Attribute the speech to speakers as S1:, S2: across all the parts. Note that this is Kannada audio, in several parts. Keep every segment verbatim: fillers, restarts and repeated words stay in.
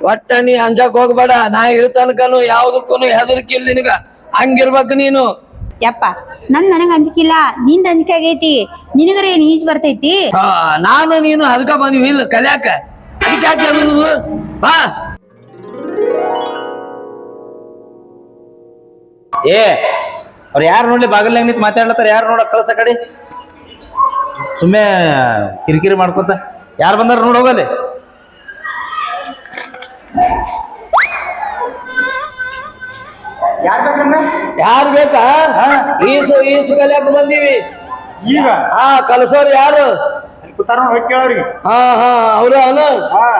S1: ಒಟ್ಟ ನೀ ಅಂಜಾಕ್ ಹೋಗ್ಬೇಡ. ನಾ ಇರ್ತನಕನು ಯಾವ್ದಕ್ಕೂ ಹೆದರ್ಕಿಲ್ಲ ನಿನಗ. ಹಂಗಿರ್ಬೇಕು ನೀನು.
S2: ಯಪ್ಪ ನನ್ ನನಗ ಅಂಜಿಕಿಲ್ಲ, ನಿಂದ ಅಂಜಿಕೆ ಆಗೈತಿ. ನಿನಗರ ಏನ್ ಈಜ್ ಬರ್ತೈತಿ?
S1: ಹಾ ನಾನು ನೀನು ಅದಕ್ಕ ಬಂದಿವಿ ಇಲ್ಲ ಕಲ್ಯಾಕ. ಅದಕ್ಕೆ ಯಾಕೆ ಹೆದರುದು? ಬಾ.
S3: ಏ ಅವ್ರು ಯಾರು ನೋಡ್ಲಿ ಬಾಗಿಲ್ನಾಗ ನಿಂತು ಮಾತಾಡ್ಲತ್ತಾರ, ಯಾರು ನೋಡ ಕಳ್ಸ ಕಡೆ ಸುಮ್ಮನೆ ಕಿರಿಕಿರಿ ಮಾಡ್ಕೊತ. ಯಾರು ಬಂದಾರ ನೋಡ್ ಹೋಗಲ್ಲಿ.
S1: ಯಾರು ಬೇಕಾ? ಈಸು ಈಸು ಕಲ್ಯಾಕ ಬಂದೀವಿ
S4: ಈಗ.
S1: ಹಾ ಕಲ್ಸೋರ್ ಯಾರು?
S4: ಕೂತಾರ ಹೋಗಿ ಕೇಳವ್ರಿಗೆ.
S1: ಹಾ ಹಾ ಅವ್ರ ಅವನು. ಹಾ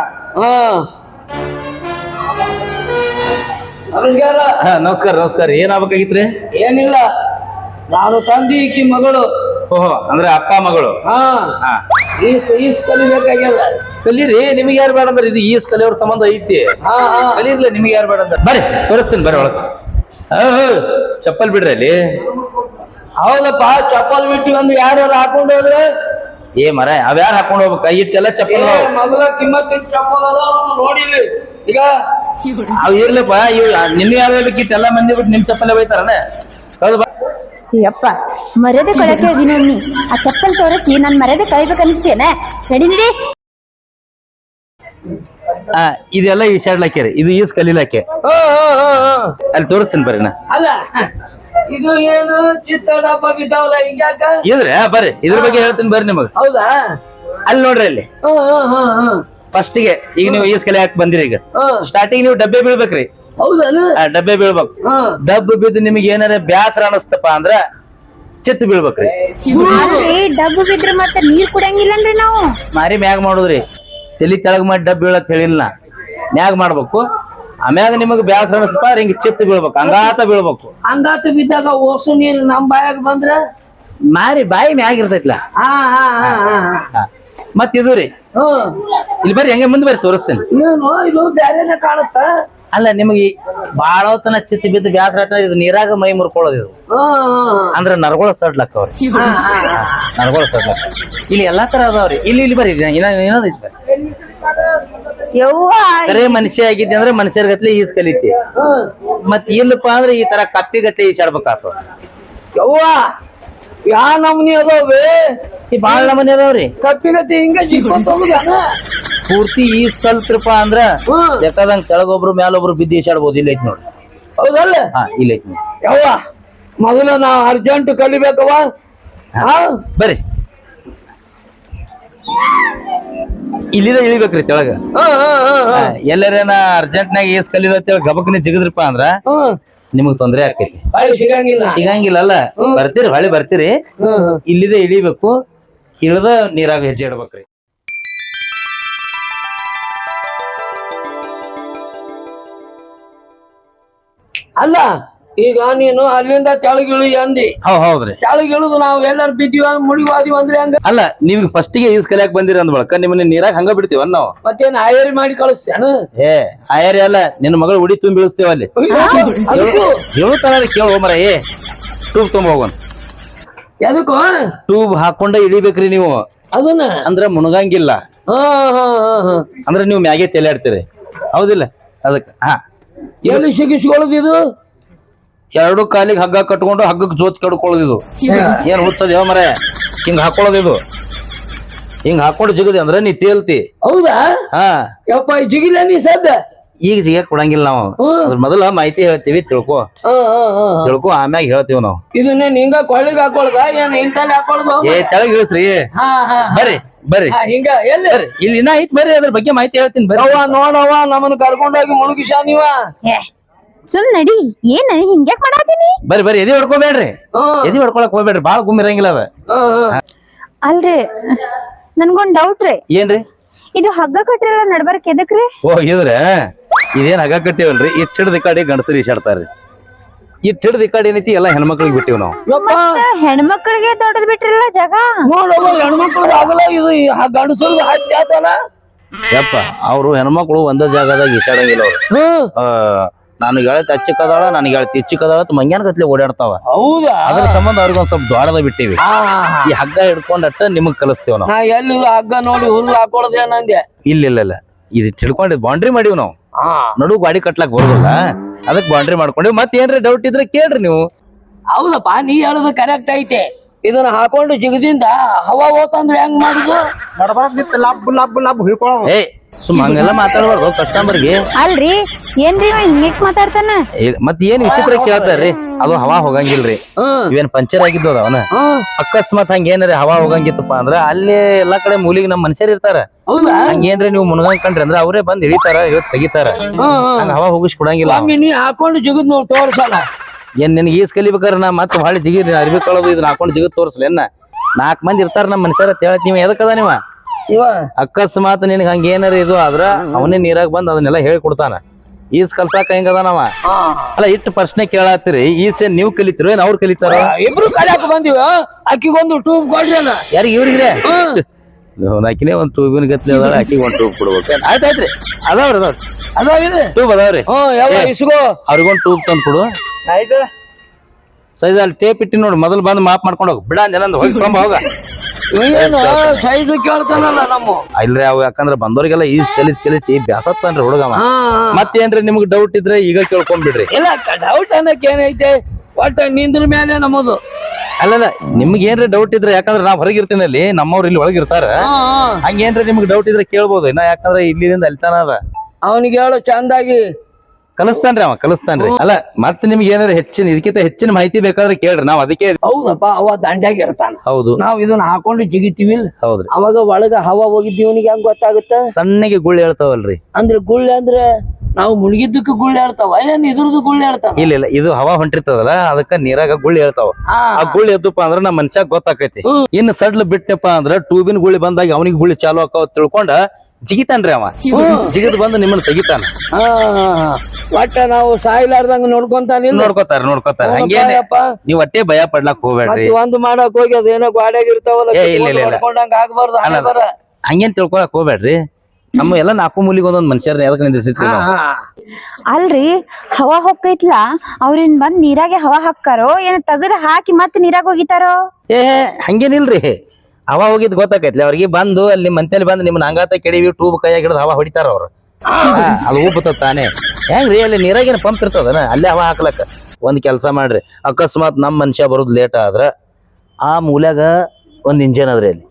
S1: ನಮಸ್ಕಾರ.
S3: ನಮಸ್ಕಾರ ನಮಸ್ಕಾರ. ಏನಾಗ್ಬೇಕಾಗಿತ್ರಿ?
S1: ಏನಿಲ್ಲ, ನಾನು ತಂದಿ ಈಕಿ ಮಗಳು.
S3: ಓಹೋ, ಅಂದ್ರೆ ಅಪ್ಪ ಮಗಳು.
S1: ಹಾ ಈಸ್ ಈಸ್ ಕಲಿಬೇಕಾಗ್ಯದ.
S3: ಕಲೀರಿ, ನಿಮ್ಗೆ ಯಾರು ಬೇಡ ಅಂದ್ರೆ ಇದು ಈಸ್ ಕಲಿಯೋರ್ ಸಂಬಂಧ ಐತಿ.
S1: ಹಾ ಹಾ
S3: ಕಲೀರ್ಲಿ, ನಿಮ್ಗೆ ಯಾರು ಬೇಡ ಅಂದ್ರೆ ಬರ್ರಿ ತೋರಿಸ್ತೀನಿ ಬರ್ರಿ ಒಳಗೆ. ಚಪ್ಪಲ್ ಬಿಡ್ರಿ ಅಲ್ಲಿ.
S1: ಹೌದಪ್ಪ, ಚಪ್ಪಲ್ ಬಿಟ್ಟು ಒಂದು ಯಾರು ಹಾಕೊಂಡು ಹೋದ್ರೆ
S3: ಏ ಮರ ಅವ್ಯಾರು ಹಾಕೊಂಡು ಹೋಗ್ಬೇಕು? ಕೈ ಇಟ್ಟೆಲ್ಲ ಚಪ್ಪಲ್
S1: ಮಗಳ ಕಿಮ್ಮತ್ ಚಪ್ಪಲ್ ಅದ ನೋಡಿಲಿ. ಈಗ
S3: ಅವ್ ಇರ್ಲಪ್ಪ, ಇವ್ ನಿಮ್ ಯಾರು ಬೇಕಿಟ್ಟೆಲ್ಲ ಮಂದಿ ಬಿಟ್ಟು ನಿಮ್ ಚಪ್ಪಲ್ ಬೈತಾರನ? ಹೌದು.
S2: ಯಪ್ಪ ಮರ್ಯಾದೆ ಕೊಡಕ್ಕೆ ಇದೀನಿ ನೀ. ಆ ಚಪ್ಪಲ್ ತೋರಿಸಿ ನನ್ ಮರ್ಯಾದೆ ಕಳಿಬೇಕಂತೇನ? ನಡಿ ನಡಿ.
S3: ಆ ಇದೆಲ್ಲ ಈಶಾಡ್ಲಾಕ್ಯಾರಿ, ಇದು ಈಸ್ ಕಲೀಲಾಕೆ. ಅಲ್ಲಿ ತೋರಿಸ್ತೀನಿ ಬರ್ರಿ ನಾ.
S1: ಅಲ್ಲ ಇದು ಏನು ಚಿತ್ತ ಡಬ್ಬ ಬಿದ್ದಾವಲ್ಲ ಈಗ ಯಾಕ?
S3: ಇದ್ರೆ ಬರ್ರಿ ಇದ್ರ ಬಗ್ಗೆ ಹೇಳ್ತೀನಿ ಬರ್ರಿ ನಿಮಗ್.
S1: ಹೌದಾ?
S3: ಅಲ್ಲಿ ನೋಡ್ರಿ ಅಲ್ಲಿ ಫಸ್ಟ್ ಗೆ ಈಗ ನೀವು ಈಸ್ ಕಲಿ ಹಾಕಿ ಬಂದಿರಿ. ಈಗ ಸ್ಟಾರ್ಟಿಂಗ್ ನೀವು ಡಬ್ಬೆ ಬೀಳ್ಬೇಕ್ರಿ.
S1: ಹೌದಾ?
S3: ಡಬ್ಬೆ ಬೀಳ್ಬೇಕು. ಡಬ್ಬ ಬಿದ್ದು ನಿಮ್ಗೆ ಏನಾರ ಬ್ಯಾಸರ ಅನಸ್ತಪ್ಪ ಅಂದ್ರ ಚಿತ್ತ ಬೀಳ್ಬೇಕ್ರಿ.
S2: ಡಬ್ಬು ಬಿದ್ರೆ ಮತ್ತೆ ನೀರ್ ಕುಡಂಗಿಲ್ಲನ್ರಿ ನಾವು.
S3: ಮಾರಿ ಮ್ಯಾಗ ಮಾಡುದ್ರಿ, ತಲಿ ತೆಳಗ್ ಮಾಡಿ ಡಬ್ಬ ಬೀಳಕ್ ಹೇಳಿಲ್ಲ. ಮ್ಯಾಗ ಮಾಡ್ಬೇಕು, ಆಮ್ಯಾಗ ನಿಮಗ್ ಬ್ಯಾಸರ ಅನಸ್ತಪ್ಪ ಹಿಂಗ ಚಿತ್ತ ಬೀಳ್ಬೇಕು, ಹಂಗಾತ ಬೀಳ್ಬೇಕು.
S1: ಹಂಗಾತ ಬಿದ್ದಾಗ ಓಸು ನೀರು ನಮ್ ಬಾಯಾಗ ಬಂದ್ರ
S3: ಮಾರಿ ಬಾಯಿ ಮ್ಯಾಗ ಇರ್ತೈತ್ಲ.
S1: ಹಾ ಹಾ ಹಾ
S3: ಮತ್ ಇದು ರೀ, ಇಲ್ಲಿ ಬರ್ರಿ ಹೆಂಗೆ ಮುಂದೆ ಬರ್ರಿ ತೋರಿಸ್ತೇನೆ.
S1: ಏನು ಇದು ಬ್ಯಾರೇನೆ ಕಾಣುತ್ತ?
S3: ಅಲ್ಲ ನಿಮಗೆ ಬಾಳ ಹೊತ್ತನ ಚಿತ್ತ ಬಿದ್ದು ಬ್ಯಾಸರ ಆಯ್ತ ಇದು ನೀರಾಗ ಮೈ ಮುರ್ಕೊಳ್ಳೋದು. ಇದು ಅಂದ್ರ ನರಗೋಳ ಸಡ್ಲಕ್ಕ ಅವ್ರಿ, ನರಗೋಳ ಸಡ್ಲಕ್ಕ. ಇಲ್ಲಿ ಎಲ್ಲಾ ತರ ಅದಾವ್ರಿ. ಇಲ್ಲಿ ಇಲ್ಲಿ ಬರ್ರಿ ಏನದೈತಿ ಬರ್ರಿ. ಬರೇ ಮನುಷ್ಯ ಆಗಿದ್ದೆ ಅಂದ್ರೆ ಮನುಷ್ಯರ ಗತ್ಲೆ ಈಸ್ ಕಲಿತಿ. ಮತ್ ಇಲ್ಲಪ್ಪ ಅಂದ್ರೆ ಈ ತರ ಕಪ್ಪಿ ಗತ್ಲೆ ಈಸಾಡ್ಬೇಕಾಗ್ತದ.
S1: ಯವ್ವ ಯಾ ನಮ್ನಿ ಅದಾವೆ?
S3: ಈ ಬಾಳ ನಮನಿ ಅದಾವ್ರಿ.
S1: ಕಪ್ಪಿಗತಿ ಹಿಂಗ ಜಿಕ್ಕೊಂತ ಹೋಗುದಾನ?
S3: ಪೂರ್ತಿ ಈಸ್ ಕಲ್ತ್ರಪ್ಪ ಅಂದ್ರ ಬೇಕಾದಂಗ ಕೆಳಗೊಬ್ರು ಮ್ಯಾಲೊಬ್ರು ಬಿದ್ದು ಈಸಾಡ್ಬೋದು. ಇಲ್ಲ ಐತಿ ನೋಡ್ರಿ.
S1: ಹೌದಲ್ಲ?
S3: ಹಾ ಇಲ್ಲ ಐತಿ ನೋಡಿ.
S1: ಯವ್ವ ಮೊದಲ ನಾವ್ ಅರ್ಜೆಂಟ್ ಕಲಿಬೇಕವ.
S3: ಬರ್ರಿ ಇಲ್ಲಿದ ಇಳಿಬೇಕ್ರಿ ತೆಳಗ. ಎಲ್ಲರೇನ ಅರ್ಜೆಂಟ್ ನಾಗ ಈಸ್ ಕಲಿದ ಗಬಕ್ನಿ ಜಿಗದ್ರಪ್ಪ ಅಂದ್ರ ನಿಮಗ್ ತೊಂದ್ರೆ ಆಕೈತಿ.
S1: ಸಿಗಂಗಿಲ್ಲ
S3: ಸಿಗಂಗಿಲ್ಲ ಅಲ್ಲ. ಬರ್ತೀರಿ ಹೊಳಿ ಬರ್ತೀರಿ, ಇಲ್ಲಿದ ಇಳಿಬೇಕು. ಇಳ್ದ ನೀರಾಗ ಹೆಜ್ಜೆ ಇಡ್ಬೇಕ್ರಿ.
S1: ಅಲ್ಲ ಈಗ ನೀನು ಅಲ್ಲಿಂದ ತೆಳಗಿಳಿ ಅಂದಿ.
S3: ಹೌದ್ ಹೌದ್ರಿ.
S1: ತೆಳಗಿಳಿದು ನಾವ್ ಎಲ್ಲಾರು ಬಿದ್ದೀವ ಮುಡಿವಾದಿವ ಅಂದ್ರೆ ಹಂಗ?
S3: ಅಲ್ಲ ನಿಮ್ಗೆ ಫಸ್ಟ್ ಗೆ ಈಸ್ ಕಲಿಯಾಕ್ ಬಂದಿರಿ ಅಂದ್ ಬಳಕ ನಿಮ್ಮನ್ನ ನೀರಾಗ ಹಂಗ ಬಿಡ್ತೀವ ನಾವು.
S1: ಮತ್ತೇನ್ ಆಯರಿ ಮಾಡಿ ಕಳಿಸ್ತೇನ?
S3: ಏ ಆಯರಿ ಅಲ್ಲ, ನಿನ್ನ ಮಗಳು ಉಡಿ ತುಂಬಿ ಬೀಳಿಸ್ತೇವ ಅಲ್ಲಿ. ಹೇಳುತ್ತಾರ ಕೇಳ ಮರ. ಏ ಟೂಬ್ ತುಂಬ ಹೋಗೋಣ.
S1: ಎದಕ್ಕೂ
S3: ಟೂಬ್ ಹಾಕೊಂಡ ಇಳಿಬೇಕ್ರಿ ನೀವು.
S1: ಅದನ್ನ
S3: ಅಂದ್ರ ಮುಣಗಂಗಿಲ್ಲ. ಅಂದ್ರ ನೀವು ಮ್ಯಾಗೆ ತಲೆಯಾಡ್ತೀರಿ. ಹೌದಿಲ್ಲ? ಅದಕ್ಕ ಹಾ
S1: ಎಲ್ಲಿ ಸಿಗಿಸ್ಕೊಳ್ಳೋದು ಇದು?
S3: ಎರಡು ಕಾಲಿಗೆ ಹಗ್ಗ ಕಟ್ಕೊಂಡು ಹಗ್ಗಕ್ಕೆ ಜೋತ್ ಕಡ್ಕೊಳ್ಳೋದಿದು. ಏನ್ ಹುಚ್ಚದ ಯಾವ ಮರ? ಹಿಂಗ್ ಹಾಕೊಳ್ಳೋದಿದು. ಹಿಂಗ್ ಹಾಕೊಂಡು ಜಿಗದಿ ಅಂದ್ರ ನೀ ತೇಲ್ತಿ.
S1: ಹೌದಾ?
S3: ಹಾ
S1: ಯಪ್ಪ ಜಿಗಿಲ್ಲ ನೀ ಸದ್ದ.
S3: ಈಗ ಜಿಗಕ್ ಕೊಡಂಗಿಲ್ಲ ನಾವು. ಅದ್ರ ಮೊದಲ ಮಾಹಿತಿ ಹೇಳ್ತೀವಿ, ತಿಳ್ಕೊ ತಿಳ್ಕೊ ಆಮ್ಯಾಗ ಹೇಳ್ತೀವಿ ನಾವು.
S1: ಇದನ್ನ ಹಿಂಗ ಕೊಳ್ಳಿಗೆ ಹಾಕೊಳ್ದ ಏನ್ ಇಂತಲ್ಲಿ ಹಾಕೊಳ್ದು?
S3: ಏ ತೆಳಗ್ ಇಳಿಸ್ರಿ. ಬರ್ರಿ ಬರ್ರಿ
S1: ಹಿಂಗ ಎಲ್ಲಿ
S3: ಬರ್ರಿ, ಇಲ್ಲಿ ಇನ್ನ ಐತ್ ಬರ್ರಿ, ಅದ್ರ ಬಗ್ಗೆ ಮಾಹಿತಿ ಹೇಳ್ತೀನಿ ಬರ್ರಿ.
S1: ಅವ್ವ ನೋಡವ್ವ ನಮ್ಮನ್ನ ಕರ್ಕೊಂಡೋಗಿ ಮುಳುಗಿಸ ನೀವ.
S2: ಸುಮ್ ನಡಿ. ಏನ್ ಹಿಂಗ್ಯಾಕ್ ಮಾಡಾತೀನಿ?
S3: ಬರ್ರಿ ಬರ್ರಿ, ಎದಿ ಹೊಡ್ಕೋಬೇಡ್ರಿ. ಎದಿ ಹೊಡ್ಕೊಳಕ್ ಹೋಗ್ಬೇಡ್ರಿ, ಬಾಳ ಗುಮ್ಮಿರಂಗಿಲ್ಲ ಅದ.
S2: ಅಲ್ರಿ ನನ್ಗೊಂದ್ ಡೌಟ್ ರೀ.
S3: ಏನ್ರಿ?
S2: ಇದು ಹಗ್ಗ ಕಟ್ರಲ್ಲ ನಡ್ಬರ್ಕ್ ಎದಕ್ರಿ?
S3: ಓ ಇದ್ರ ಇದೇನ್ ಹಗ್ಗ ಕಟ್ಟಿವಲ್ರಿ, ಇಟ್ ಹಿಡ್ದ ಈ ಕಡೆ ಗಂಡಸರು ಈಸಾಡ್ತಾರ್ರಿ. ಇಟ್ ಹಿಡ್ದ ಈ ಕಡೆ ಏನೈತಿ ಎಲ್ಲ ಹೆಣ್ಮಕ್ಳಿಗೆ ಬಿಟ್ಟಿವ್ ನಾವು.
S2: ಹೆಣ್ಮಕ್ಳಿಗೆ ದೊಡ್ಡದ್ ಬಿಟ್ರಲ್ಲ ಜಾಗ.
S1: ನೋಡವ್ವ ಹೆಣ್ಮಕ್ಳದ ಆಗಲ್ಲ, ಇದು ಗಂಡಸರ್ದು ಹತ್ತಿ ಆತಲ್ಲ.
S3: ಯಪ್ಪ ಅವ್ರು ಹೆಣ್ಮಕ್ಳು ಒಂದ ಜಾಗದಾಗ ಈಸಾಡಂಗಿಲ್ಲ ಅವ್ರು. ನನಗೆ ಗೆಳತಿ ಹಚ್ಚಿಕದಾಳ, ನನಗೆ ಗೆಳತಿ ಹೆಚ್ಚಿಕದಾಳ ಮಂಗ್ಯಾನ ಗತ್ಲೆ ಓಡಾಡ್ತಾವ.
S1: ಹೌದಾ?
S3: ಅದ್ರ ಸಂಬಂಧ ಅವ್ರಿಗೆ ಒಂದ್ ಸ್ವಲ್ಪ ದ್ವಾಡದ ಬಿಟ್ಟಿವಿ. ಈ ಹಗ್ಗ ಹಿಡ್ಕೊಂಡಟ್ಟ ನಿಮಗ್ ಕಲಿಸ್ತೇವ್ ನಾವು.
S1: ಎಲ್ಲಿ ಹಗ್ಗ ನೋಡಿ ಹುಲ್ಲು ಹಾಕೊಳದೇನಂದೆ?
S3: ಇಲ್ಲ ಇಲ್ಲ ಇಲ್ಲ, ಇದು ತಿಳ್ಕೊಂಡಿದ್ ಬೌಂಡ್ರಿ ಮಾಡಿವ್ ನಾವು.
S1: ಹಾ
S3: ನಡು ಗಾಡಿ ಕಟ್ಲಾಕ್ ಬರೋದಿಲ್ಲ, ಅದಕ್ ಬೌಂಡ್ರಿ ಮಾಡ್ಕೊಂಡಿ. ಮತ್ ಏನ್ರಿ ಡೌಟ್ ಇದ್ರೆ ಕೇಳ್ರಿ ನೀವು.
S1: ಹೌದಪ್ಪ, ನೀ ಹೇಳೋದು ಕರೆಕ್ಟ್ ಐತೆ. ಇದನ್ನ ಹಾಕೊಂಡು ಜಿಗದಿಂದ ಹವಾ ಹೋತಂದ್ರೆ ಹೆಂಗ್ ಮಾಡುದು?
S4: ನಡ್ಬಾರ್ದ್ ನಿಂತ ಲಬ್ ಲಬ್ ಲಬ್ ಹುಯ್ಕೊಳ್ಳೋದು.
S3: ಏ ಸುಮ್ ಹಂಗೆಲ್ಲ ಮಾತಾಡ್ಬಾರ್ದು ಕಸ್ಟಮರ್ಗೆ.
S2: ಅಲ್ರಿ ಏನ್ರಿ ಇವ ಹಿಂಗ್ ಮಾತಾಡ್ತಾನ?
S3: ಮತ್ ಏನ್ ವಿಚಿತ್ರ ಕೇಳ್ತಾರ್ರಿ? ಅದು ಹವಾ ಹೋಗಂಗಿಲ್ರಿ. ಇವೇನ್ ಪಂಚರ್ ಆಗಿದ್ದು ಅವನ ಅಕಸ್ಮಾತ್ ಹಂಗ ಏನಾರ ಹವಾ ಹೋಗಂಗಿತ್ತಪ್ಪ ಅಂದ್ರ ಅಲ್ಲೇ ಎಲ್ಲಾ ಕಡೆ ಮೂಲಿಗೆ ನಮ್ ಮನುಷ್ಯರ್ ಇರ್ತಾರ. ಹಂಗೇನ್ರಿ ನೀವು ಮುನ್ಗಂಡ್ರಿ ಅಂದ್ರ ಅವರೇ ಬಂದ್ ಇಳಿತಾರ, ಇವತ್ ತೆಗಿತಾರ. ಹಂಗ ಹವಾ ಹೋಗಿಸ್ ಕೊಡಂಗಿಲ್ಲ.
S1: ನೀ ಹಾಕೊಂಡು ಜಿಗದ್ ನೋಡ್ ತೋರ್ಸಲ್ಲ.
S3: ಏನ್ ನಿನ್ಗೆ ಈಸ್ ಕಲಿಬೇಕಾರ ನಾ ಮತ್ ಹೊಳಿ ಜಿಗಿ ಅರ್ಬಿ ಕಳೋದು ಇದನ್ನ ಹಾಕೊಂಡ್ ಜಿಗದ್ ತೋರ್ಸಲ ಏನ? ನಾಲ್ಕ್ ಮಂದಿ ಇರ್ತಾರ ನಮ್ ಮನುಷ್ಯರ ಅಂತ ಹೇಳತ್. ನೀವ್ ಎದಕ್ಕದ ನೀವ?
S1: ಇವ
S3: ಅಕಸ್ಮಾತ್ ನಿನಗೆ ಹಂಗ ಏನಾರ ಇದು ಆದ್ರ ಅವನೇ ನೀರಾಗ ಬಂದ್ ಅದನ್ನೆಲ್ಲ ಹೇಳಿ ಕೊಡ್ತಾನ. ಈಸ್ ಕಲ್ಸಾಕ ಹೆಂಗದ ನಾವ? ಅಲ್ಲ ಇಟ್ಟು ಪ್ರಶ್ನೆ ಕೇಳತ್ತೀರಿ, ಈಸ್ ಏನ್ ನೀವ್ ಕಲಿತಿರೋ ಏನ್ ಅವ್ರು ಕಲಿತಾರ?
S1: ಇಬ್ರು ಕಲಿಯಾಕ ಬಂದಿವ. ಅಕ್ಕಿಗೊಂದು ಟೂಬ್ ಕೊಡ್ರಲ್ಲ.
S3: ಯಾರಿಗೆ ಇವ್ರಿಗೆ? ಆಕಿನೇ ಒಂದ್ ಟೂಬಿನ ಗತ್ಲೆ ಅದಾಳ, ಆಕಿಗೆ ಒಂದ್ ಟೂಬ್ ಕೊಡ್ಬೇಕು. ಆಯ್ತಾಯ್ತ್ರಿ, ಅದಾವ್ರಿ ಅದಾವ್ರಿ
S1: ಅದಾವಿದೆ
S3: ಟೂಬ್ ಅದಾವ್ರಿ.
S1: ಹ್ಮ್ ಯಾವ ಇಸ್ಕೋ
S3: ಅವ್ರಿಗೊಂದ್ ಟೂಬ್ ತಂದ್ ಕೊಡು.
S4: ಸೈಜ್
S3: ಸೈಜ್ ಅಲ್ಲಿ ಟೇಪ್ ಇಟ್ಟಿ ನೋಡಿ, ಮೊದಲು ಬಂದ್ ಮಾಪ್ ಮಾಡ್ಕೊಂಡು ಹೋಗ್ ಬಿಡ ಅಂದ ಹೋಗಿ ತೊಂಬ ಹೋಗ.
S1: ಏನು ಸೈಜ್ ಕೇಳ್ತಾನಲ್ಲ ನಮ್ಮ.
S3: ಇಲ್ರಿ ಅವ್ ಯಾಕಂದ್ರ ಬಂದವ್ರಿಗೆಲ್ಲ ಈಸ್ ಕಲಿಸಿ ಕಲಿಸಿ ಬ್ಯಾಸತ್ತಾನ್ರಿ ಹುಡುಗವ.
S1: ಹಾ
S3: ಮತ್ತೇನ್ರಿ ನಿಮ್ಗ್ ಡೌಟ್ ಇದ್ರೆ ಈಗ ಕೇಳ್ಕೊಂಡ್ಬಿಡ್ರಿ.
S1: ಇಲ್ಲ ಡೌಟ್ ಅನ್ನಕ್ ಏನೈತೆ, ಒಟ್ಟ ನಿಂದ್ರ ಮೇಲೆ ನಮ್ಮದು.
S3: ಅಲ್ಲಲ್ಲ ನಿಮ್ಗೆ ಏನ್ರಿ ಡೌಟ್ ಇದ್ರೆ, ಯಾಕಂದ್ರೆ ನಾವ್ ಹೊರಗಿರ್ತೀನಿ ಅಲ್ಲಿ, ನಮ್ಮವ್ರು ಇಲ್ಲಿ ಒಳಗಿರ್ತಾರ. ಹಂಗೇನ್ರಿ ನಿಮ್ಗೆ ಡೌಟ್ ಇದ್ರೆ ಕೇಳ್ಬೋದು. ಇನ್ನ ಯಾಕಂದ್ರೆ ಇಲ್ಲಿಂದ ಅಲ್ತಾನ ಅದ.
S1: ಅವನಿಗೆ ಹೇಳು ಚಂದಾಗಿ
S3: ಕಲಿಸ್ತಾನ್ರಿ ಅವ ಕಲಿಸ್ತಾನ್ರಿ. ಅಲ್ಲ ಮತ್ ನಿಮ್ಗೆ ಏನಾರ ಹೆಚ್ಚಿನ ಇದಕ್ಕಿಂತ ಹೆಚ್ಚಿನ ಮಾಹಿತಿ ಬೇಕಾದ್ರೆ ಕೇಳ್ರಿ, ನಾವ್ ಅದಕ್ಕೆ.
S1: ಹೌದಪ್ಪ, ಅವ ದಂಡ್ಯಾಗ ಇರ್ತಾನ.
S3: ಹೌದು,
S1: ನಾವ್ ಇದನ್ನ ಹಾಕೊಂಡು ಜಿಗಿತೀವಿ.
S3: ಹೌದ್ರಿ.
S1: ಅವಾಗ ಒಳಗ ಹವಾ ಹೋಗಿದ್ದೀವಿ, ಅವನಿಗೆ ಹೆಂಗ್ ಗೊತ್ತಾಗುತ್ತ?
S3: ಸಣ್ಣಗೆ ಗುಳ್ಳಿ ಹೇಳ್ತಾವಲ್ರಿ.
S1: ಅಂದ್ರೆ ಗುಳ್ಳೆ ಅಂದ್ರೆ ನಾವು ಮುಳುಗಿದ್ದಕ್ಕೆ ಗುಳ್ಳೆ ಹೇಳ್ತಾವ, ಏನ್ ಇದ್ರದ್ದು ಗುಳ್ಳೆ ಹೇಳ್ತಾವ?
S3: ಇಲ್ಲ ಇಲ್ಲ, ಇದು ಹವಾ ಹೊಂಟಿರ್ತದಲ್ಲ ಅದಕ್ಕ ನೀರಾಗ ಗುಳ್ಳಿ ಹೇಳ್ತಾವ. ಆ ಗುಳ್ಳಿ ಎದ್ದಪ್ಪ ಅಂದ್ರ ನಮ್ ಮನುಷ್ಯಾಗ ಗೊತ್ತಾಕೈತಿ. ಇನ್ನು ಸಡ್ಲ ಬಿಟ್ಟಪ್ಪ ಅಂದ್ರ ಟ್ಯೂಬಿನ ಗುಳ್ಳಿ ಬಂದಾಗ ಅವನಿಗೆ ಗುಳ್ಳಿ ಚಾಲು ಆಕಾವ ತಿಳ್ಕೊಂಡ ಜಿಗಿತಾನ್ರಿ ಅವ. ಜಿಗಿದ್ ಬಂದು ನಿಮ್ಮನ್ನ ತೆಗಿತಾನ.
S1: ಒಟ್ಟ ನಾವು ಸಾಯ್ಲಾರ್ದಂಗ ನೋಡ್ಕೊಂತಾನಿಲ್ಲ.
S3: ನೋಡ್ಕೋತಾರ ನೋಡ್ಕೋತಾರ ಹಂಗೇನೆ. ನೀವ್ ಒಟ್ಟೆ ಭಯ ಪಡ್ಲಾಕ್ ಹೋಗ್ಬೇಡ್ರಿ.
S1: ಒಂದು ಮಾಡಕ್ ಹೋಗಿ ಅದೇನೋ ಗಾಡ್ಯಾಗ ಇರ್ತಾವಲ್ಲ,
S3: ಏ ಇಲ್ಲ ಇಲ್ಲ ಇಲ್ಲ,
S1: ಆಗ್ಬಾರ್ದು.
S3: ಹಂಗೇನ್ ತಿಳ್ಕೊಳಕ್ ಹೋಗ್ಬೇಡ್ರಿ. ನಮ್ಮ ಎಲ್ಲಾ ನಾಲ್ಕು ಮೂಲಿಗೆ ಒಂದೊಂದ್ ಮನುಷ್ಯರ್ನ ಎದಕ್ ನಿಂದಿರ್ಸಿರ್ತೀವಿ ನಾವು.
S2: ಅಲ್ರಿ ಹವಾ ಹೊಕ್ಕೈತ್ಲ, ಅವ್ರೇನ್ ಬಂದ್ ನೀರಾಗೆ ಹವಾ ಹಾಕ್ಕಾರೋ ಏನ್ ತೆಗದ್ ಹಾಕಿ ಮತ್ ನೀರಾಗ ಹೋಗಿತಾರೋ?
S3: ಏ ಹಂಗೇನಿಲ್ರಿ, ಹವಾ ಹೋಗಿದ್ ಗೊತ್ತಾಕೈತ್ಲಿ ಅವ್ರಿಗೆ. ಬಂದು ಅಲ್ಲಿ ಮಂತೇಲಿ ಬಂದು ನಿಮ್ನ ಹಂಗಾತ ಕೆಡಿವಿ ಟ್ಯೂಬ್ ಕೈಯಾಗ ಹಿಡಿದು ಹವಾ ಹೊಡಿತಾರ ಅವ್ರು. ಅದು ಉಬ್ಬುತ್ತ ತಾನೇ. ಹೆಂಗ್ರಿ ಅಲ್ಲಿ ನೀರಾಗೇನ ಪಂಪ್ ಇರ್ತದನ, ಅಲ್ಲೇ ಹವಾ ಹಾಕ್ಲಕ್ಕ. ಒಂದ್ ಕೆಲ್ಸ ಮಾಡ್ರಿ, ಅಕಸ್ಮಾತ್ ನಮ್ ಮನುಷ್ಯ ಬರೋದ್ ಲೇಟ್ ಆದ್ರ ಆ ಮೂಲ್ಯಾಗ ಒಂದ್ ಇಂಜಿನ್ ಅದ್ರಿ ಅಲ್ಲಿ.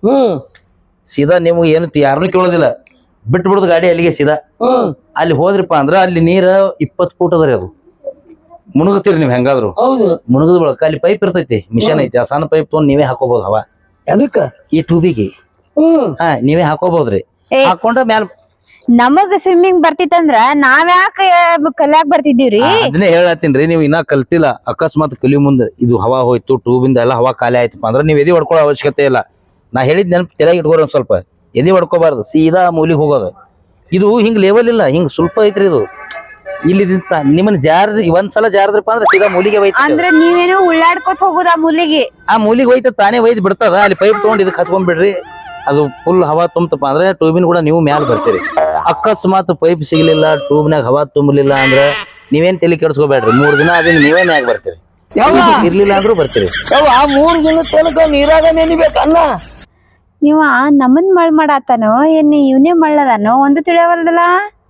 S3: ಸೀದಾ ನಿಮ್ಗೆ ಏನು ಯಾರನ್ನೂ ಕೇಳೋದಿಲ್ಲ, ಬಿಟ್ಟು ಬಿಡುದು ಗಾಡಿ ಅಲ್ಲಿಗೆ ಸೀದಾ. ಅಲ್ಲಿ ಹೋದ್ರಿಪ್ಪ ಅಂದ್ರ ಅಲ್ಲಿ ನೀರ ಇಪ್ಪತ್ ಫೂಟ್ ಅದ್ರಿ. ಅದು ಮುಣುಗತ್ತೀರಿ ನೀವ್ ಹೆಂಗಾದ್ರು. ಮುಣುಗದ ಬಳಕ ಅಲ್ಲಿ ಪೈಪ್ ಇರ್ತೈತಿ, ಮಿಷನ್ ಐತಿ. ಆ ಸಣ್ಣ ಪೈಪ್ ತೊಗೊಂಡ್ ನೀವೇ ಹಾಕೋಬಹುದು ಹವಾ. ಅದಕ್ಕ ಈ ಟ್ಯೂಬಿಗೆ ಹಾ ನೀವೇ ಹಾಕೋಬಹುದ್ರಿ. ಹಾಕೊಂಡ್ರ ಮ್ಯಾಲ
S2: ನಮಗ್ ಸ್ವಿಮ್ಮಿಂಗ್ ಬರ್ತಿತ್ತಂದ್ರ ನಾವ್ಯಾಕ ಕಲ್ಯಾಕ್ ಬರ್ತಿದ್ದೀವ್ರಿ?
S3: ಅದನ್ನೇ ಹೇಳತ್ತೀನ್ರಿ, ನೀವ್ ಇನ್ನ ಕಲ್ತಿಲ್ಲ. ಅಕಸ್ಮಾತ್ ಕಲಿಯೋ ಮುಂದೆ ಇದು ಹವಾ ಹೋಯ್ತು, ಟ್ಯೂಬಿಂದ ಎಲ್ಲ ಹವಾ ಖಾಲಿ ಆಯ್ತಪ್ಪ ಅಂದ್ರ ನೀವ್ ಎದಿ ಹೊಡ್ಕೊಳ್ಳೋ ಅವಶ್ಯಕತೆ ಇಲ್ಲ. ನಾ ಹೇಳಿದ್ ನೆನಪು ತಲೆಯಾಗ ಇಟ್ಕೋರಿ. ಒಂದ್ ಸ್ವಲ್ಪ ಎದಿ ಹೊಡ್ಕೋಬಾರ್ದು, ಸೀದಾ ಮೂಲಿಗೆ ಹೋಗೋದು. ಇದು ಹಿಂಗ್ ಲೆವೆಲ್ ಇಲ್ಲ, ಹಿಂಗ್ ಸ್ವಲ್ಪ ಐತ್ರಿ ಇದು. ಇಲ್ಲಿ ನಿಮ್ಮನ್ನ ಜಾರ ಒಂದ್ಸಲ ಜಾರದ್ರಪ್ಪ ಅಂದ್ರೆ ಸೀದಾ ಮೂಲಿಗೆ ಹೋಯ್ತು.
S2: ಅಂದ್ರೆ ನೀವೇನು ಉಳ್ಳಾಡ್ಕೊತ ಹೋಗುದ ಆ ಮೂಲಿಗೆ? ಆ
S3: ಮೂಲಿಗೆ ಹೋಯ್ತ ತಾನೇ ಒಯ್ದು ಬಿಡ್ತದ. ಅಲ್ಲಿ ಪೈಪ್ ತಗೊಂಡ್ ಇದಕ್ಕೆ ಹಚ್ಕೊಂಡ್ಬಿಡ್ರಿ. ಅದು ಫುಲ್ ಹವಾ ತುಂಬತಪ್ಪ ಅಂದ್ರೆ ಟ್ಯೂಬಿನ್ ಕೂಡ ನೀವು ಮ್ಯಾಲ ಬರ್ತೀರಿ. ಅಕಸ್ಮಾತ್ ಪೈಪ್ ಸಿಗ್ಲಿಲ್ಲ, ಟ್ಯೂಬ್ನಾಗ ಹವಾ ತುಂಬಲಿಲ್ಲ ಅಂದ್ರೆ ನೀವೇನ್ ತಲೆ ಕೆಡ್ಸ್ಕೋಬೇಡ್ರಿ. ಮೂರ್ ದಿನ ಅದನ್ನ ನೀವೇ ಮ್ಯಾಗ ಬರ್ತೀರಿ. ಇರ್ಲಿಲ್ಲ ಅಂದ್ರೂ ಬರ್ತೀರಿ.
S1: ಆ ಮೂರ್ ದಿನ ತನಕ ನೀರಾಗ ನೆನಿಬೇಕನ್ನ.
S2: ನೀವ ನಮ್ಮನ್ ಮಳ್ ಮಾಡಾತನೋ ಏನ್ ಇವನೇ ಮಳ್ಳದಾನೋ ಒಂದು ತಿಳಿಯವಲ್ದಲ್ಲ.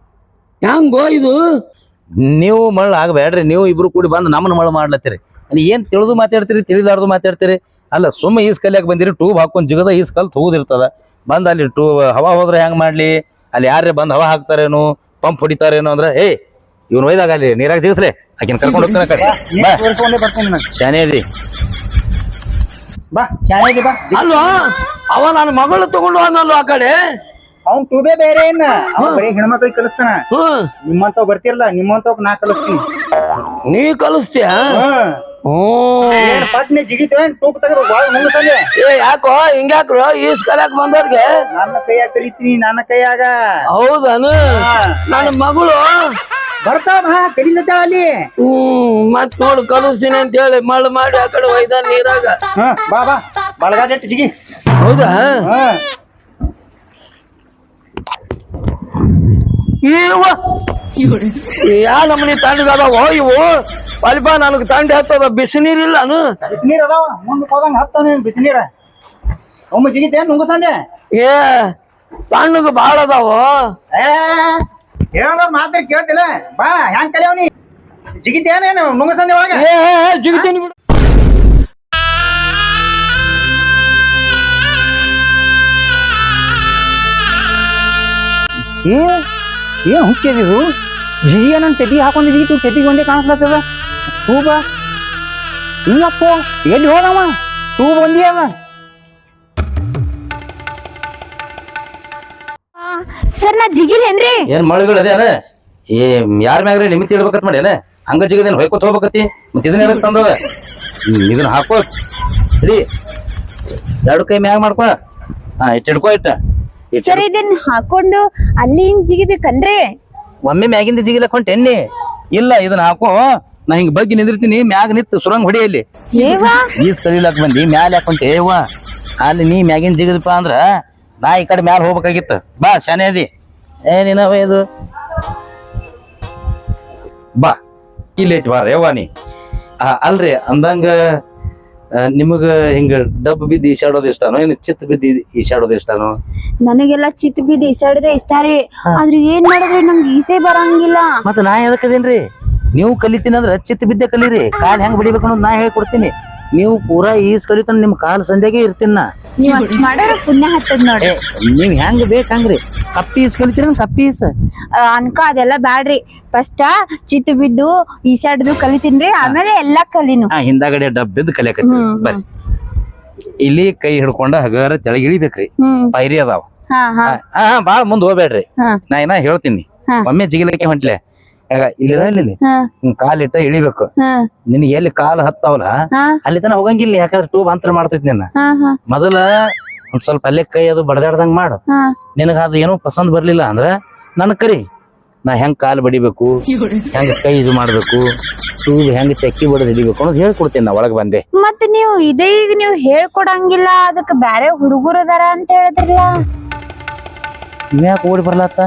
S1: ಹೆಂಗೋ ಇದು?
S3: ನೀವು ಮಳ್ಳ ಆಗ್ಬೇಡ್ರಿ. ನೀವು ಇಬ್ರು ಕೂಡಿ ಬಂದು ನಮ್ಮನ್ನ ಮಳ್ಳ ಮಾಡ್ಲತ್ತೀರಿ. ಅಲ್ಲಿ ಏನ್ ತಿಳಿದು ಮಾತಾಡ್ತೀರಿ, ತಿಳಿಲಾರ್ದು ಮಾತಾಡ್ತೀರಿ. ಅಲ್ಲ ಸುಮ್ಮ ಈಸ್ ಕಲಿಯಾಕ ಬಂದಿರಿ, ಟ್ಯೂಬ್ ಹಾಕೊಂಡ್ ಜಿಗದ ಈಸ್ ಕಲ್ತ್ ಹೋಗುದಿರ್ತದ. ಬಂದ್ ಅಲ್ಲಿ ಟೂ ಹವಾ ಹೋದ್ರೆ ಹೆಂಗ್ ಮಾಡ್ಲಿ? ಅಲ್ಲಿ ಯಾರೇ ಬಂದ್ ಹವಾ ಹಾಕ್ತಾರೇನು, ಪಂಪ್ ಹೊಡಿತಾರೇನು ಅಂದ್ರ ಏ ಇವ್ನ ಒಯ್ದಾಗ ಅಲ್ಲಿ ನೀರಾಗ ಜಿಗಿಸ್ಲೆ, ಆಕಿನ ಕರ್ಕೊಂಡು ಹೋಗ್ತಾನ ಕಡೆ. ಶಾನೆ ಅದಿ
S4: ಬಾ, ಶಾನೆ ಬಾ.
S1: ಅಲ್ವಾ ಅವ ನನ್ನ ಮಗಳು ತಗೊಂಡು ಹೋದ್ನಲ್ವ ಆ ಕಡೆ.
S4: ಅವ್ನ್ ಟೂಬೇ ಬೇರೆ ಏನ, ಅವ್ನ್ ಬರೀ ಹೆಣ್ಮಕ್ಳಿಗೆ ಕಲಿಸ್ತಾನ. ನಿಮ್ಮಂತವ್ ಬರ್ತಿರ್ಲ, ನಿಮ್ಮಂತವ್ ನಾ ಕಲಿಸ್ತೀನಿ.
S1: ನೀ ಕಲಿಸ್ತೀಯ?
S4: ಪಟ್ನೆ ಜಿಗಿತೇನ್ ಟೂಬ್ ತೆಗೆದು ಮುಂಗಸಂದೆ.
S1: ಏ ಯಾಕೋ ಹಿಂಗ್ಯಾಕ್ರು ಈಸ್ ಕಲಿಯಾಕ ಬಂದವ್ರಿಗೆ?
S4: ನನ್ನ ಕೈಯಾಗ ಕಲಿತೀನಿ, ನನ್ನ ಕೈಯಾಗ.
S1: ಹೌದನು? ನನ್ನ ಮಗಳು
S4: ಬರ್ತಾವ ಕಲಿಲತ್ತ ಅಲ್ಲಿ.
S1: ಹ್ಮ್ ಮತ್ ನೋಡು ಕಲಿಸ್ತೀನಿ ಅಂತ ಹೇಳಿ ಮಳ್ ಮಾಡಿ ಆ ಕಡೆ ಒಯ್ದ ನೀರಾಗ.
S4: ಬಾ ಬಾ ಬಳಗಾದಟ್ಟು ಜಿಗಿ.
S1: ಹೌದಾ? ಯಾ ನಮ್ಮನಿ ತಣ್ಣಗದಾವ ಇವು? ಅಲ್ಪ ನನಗ್ ತಂಡಿ ಹತ್ತದ. ಬಿಸಿನೀರಿಲ್ಲ?
S4: ಬಿಸಿನೀರ್ ಅದಾವ, ಮುಂದಕ್ಕೆ ಹೋದಂಗ ಹತ್ತಾನ ಬಿಸಿನೀರ. ಒಮ್ಮೆ ಜಿಗಿತೇನ್ ನುಂಗಸಂದೆ?
S1: ಏ ತಣ್ಣಗ ಬಾಳ ಅದಾವ.
S4: ಏ ಹೇಳೋದ್ ಮಾತ್ರ ಕೇಳ್ತಿಲ್ಲ ಬಾ ಹೆಂಗ್ ಕಲಿಯವನಿ ಜಿಗಿತೇನೇನು ನುಂಗಸಂದೆ ಒಳಗ
S1: ಏ ಜಿಗಿತೀನಿ ಬಿಡು.
S4: ಏ ಏನ್ ಹುಚ್ಚಿದು ಜಿಗಿ ನನ್ ಟೆಪಿ ಹಾಕೊಂಡ್ ಜಿಗಿತು ಟೆಪಿಗೆ ಒಂದೇ ಕಾಣಿಸ್ಲತ್ತದ ತೂಬ ಇಲ್ಲಪ್ಪ ಎಲ್ಲಿ ಹೋಗವ ತೂಬ್ ಒಂದೇ ಅವ
S2: ಸರ್ ನಾ ಜಿಗಿಲೇನ್ರಿ?
S3: ಏನ್ ಮಳಿಗಳು ಅದೇನ ಏ ಯಾರ ಮ್ಯಾಗ್ರಿ ನಿಮಿತ್ ಇಡ್ಬೇಕತ್ ಮಾಡಿ ಏನ ಹಂಗ ಜಿಗದೇನ್ ಹೊಯ್ಕೋತ ಹೋಗ್ಬೇಕತಿ ಮತ್ ಇದನ್ನ ಎದಕ್ ತಂದದ ಇದನ್ನ ಹಾಕೋ ಸರಿ ಎರಡು ಕೈ ಮ್ಯಾಗ ಮಾಡ್ಕೊ ಹಾ ಇಟ್ ಹಿಡ್ಕೋ ಇಟ್ಟ
S2: ಸರ್ ಇದನ್ ಹಾಕೊಂಡು ಅಲ್ಲಿ ಹಿಂಗ್ ಜಿಗಿಬೇಕನ್ರಿ?
S3: ಒಮ್ಮೆ ಮ್ಯಾಗಿಂದ ಜಿಗಿಲಕ್ ಹೊಂಟ ಎಣ್ಣಿ ಇಲ್ಲ ಇದನ್ನ ಹಾಕೋ ನಾ ಹಿಂಗ್ ಬಗ್ಗೆ ನಿಂದಿರ್ತೀನಿ ಮ್ಯಾಗ ನಿಂತು ಸುರಂಗ್ ಹೊಡಿಯಲ್ಲಿ
S2: ಏವಾ
S3: ಈಸ್ ಕಲಿಲಾಕ್ ಬಂದಿ ಮ್ಯಾಲ ಯಾಕೊಂಟೆ ಏವ ಅಲ್ಲಿ ನೀ ಮ್ಯಾಗಿನ ಜಿಗದಪ್ಪ ಅಂದ್ರ ನಾ ಈ ಕಡೆ ಮ್ಯಾಲ ಹೋಗ್ಬೇಕಾಗಿತ್ತು ಬಾ ಶಾನೆ ಅದಿ ಏನಿನವ ಇದು ಬಾ ಇಲ್ಲಿ ಐತಿ ಬಾರ ಯವ್ವ ನೀ ಅಲ್ರಿ ಅಂದಂಗ ನಿಮಗ ಹಿಂಗ ಡಬ್ ಬಿದ್ದು ಈಶಾಡೋದು ಇಷ್ಟನೋ ಏನ್ ಚಿತ್ ಬಿದ್ದು ಈಶಾಡೋದು ಇಷ್ಟನೋ?
S2: ನನಗೆಲ್ಲ ಚಿತ್ ಬಿದ್ದು ಈಸಾಡದೆ ಇಷ್ಟ ರೀ. ಆದ್ರೆ ಏನ್ ಮಾಡಿದ್ರೆ ನಂಗೆ ಈಸೆ ಬರಂಗಿಲ್ಲ.
S3: ಮತ್ತ ನಾ ಎದಕ್ಕದೇನ್ರಿ ನೀವು ಕಲಿತೀನಿ ಅಂದ್ರ ಚಿತ್ ಬಿದ್ದೆ ಕಲೀರಿ ಕಾಲ್ ಹೆಂಗ್ ಬಡಿಬೇಕು ಅನ್ನೋದು ನಾ ಹೇಳ್ಕೊಡ್ತೀನಿ. ನೀವು ಪೂರಾ ಈಸ್ ಕಲಿತಾನ ನಿಮ್ ಕಾಲ್ ಸಂಧ್ಯಾಗೆ ಇರ್ತೀನ ನಾ.
S2: ನೀವ್ ಅಷ್ಟ್ ಮಾಡೋರ ಪುಣ್ಯ ಹತ್ತದ್ ನೋಡಿ.
S3: ನೀವ್ ಹೆಂಗ್ ಬೇಕ್ ಹಂಗ್ರಿ ಕಪ್ಪಿ ಈಸ್ ಕಲಿತೀರ ಕಪ್ಪಿ ಈಸ್
S2: ಅನ್ಕ ಅದೆಲ್ಲ ಬ್ಯಾಡ್ರಿ. ಫಸ್ಟ್ ಚಿತ್ ಬಿದ್ದು ಈಸಾಡ್ದು ಕಲಿತೀನ್ರಿ ಆಮೇಲೆ ಎಲ್ಲಾ ಕಲಿನು.
S3: ಹಾ ಹಿಂದಾಗಡೆ ಡಬ್ ಬಿದ್ದು ಕಲಿಯಕತ್ತಿ ಬರ್ರಿ ಇಲ್ಲಿ ಕೈ ಹಿಡ್ಕೊಂಡ ಹಗರ ತೆಳಗ್ ಇಳಿಬೇಕ್ರಿ ಪೈರಿ ಅದಾವ
S2: ಹಾ ಹಾ
S3: ಹಾ ಬಾಳ ಮುಂದ್ ಹೋಗ್ಬೇಡ್ರಿ ನಾ ಏನ ಹೇಳ್ತೀನಿ ಒಮ್ಮೆ ಜಿಗಿಲಕ್ಕೆ ಹೊಂಟ್ಲೆ ಇಲ್ಲಿ ಇಲ್ಲಿ ಕಾಲಿಟ್ಟ ಇಳಿಬೇಕು ನಿನಗೆ ಎಲ್ಲಿ ಕಾಲ್ ಹತ್ತಾವಲ್ಲ ಅಲ್ಲಿ ತನ ಹೋಗಂಗಿಲ್ಲ ಯಾಕಂದ್ರೆ ಟೂಬ್ ಅಂತರ ಮಾಡ್ತೈತಿ ನಿನ್ನ ಮೊದಲ ಒಂದ್ ಸ್ವಲ್ಪ ಅಲ್ಲೇ ಕೈ ಅದು ಬಡದಾಡ್ದಂಗ್ ಮಾಡು ನಿನಗ ಅದು ಏನೋ ಪಸಂದ್ ಬರ್ಲಿಲ್ಲ ಅಂದ್ರ ನನ್ ಕರಿ ನಾ ಹೆಂಗ್ ಕಾಲ್ ಬಡಿಬೇಕು ಹೆಂಗ್ ಕೈ ಇದು ಮಾಡ್ಬೇಕು ಟೂಬ್ ಹೆಂಗ್ ತೆಕ್ಕಿ ಬಡದ್ ಹಿಡಿಬೇಕು ಅನ್ನೋದು ಹೇಳ್ಕೊಡ್ತೀನಿ ನಾ ಒಳಗ್ ಬಂದೆ.
S2: ಮತ್ ನೀವು ಇದೇ ಈಗ ನೀವು ಹೇಳ್ಕೊಡಂಗಿಲ್ಲ ಅದಕ್ಕೆ ಬ್ಯಾರೆ ಹುಡುಗರು ಅದಾರ ಅಂತ ಹೇಳಿದ್ರಲ್ಲ
S3: ಇನ್ಯಾಕ ಓಡಿ ಬರ್ಲತ್ತ?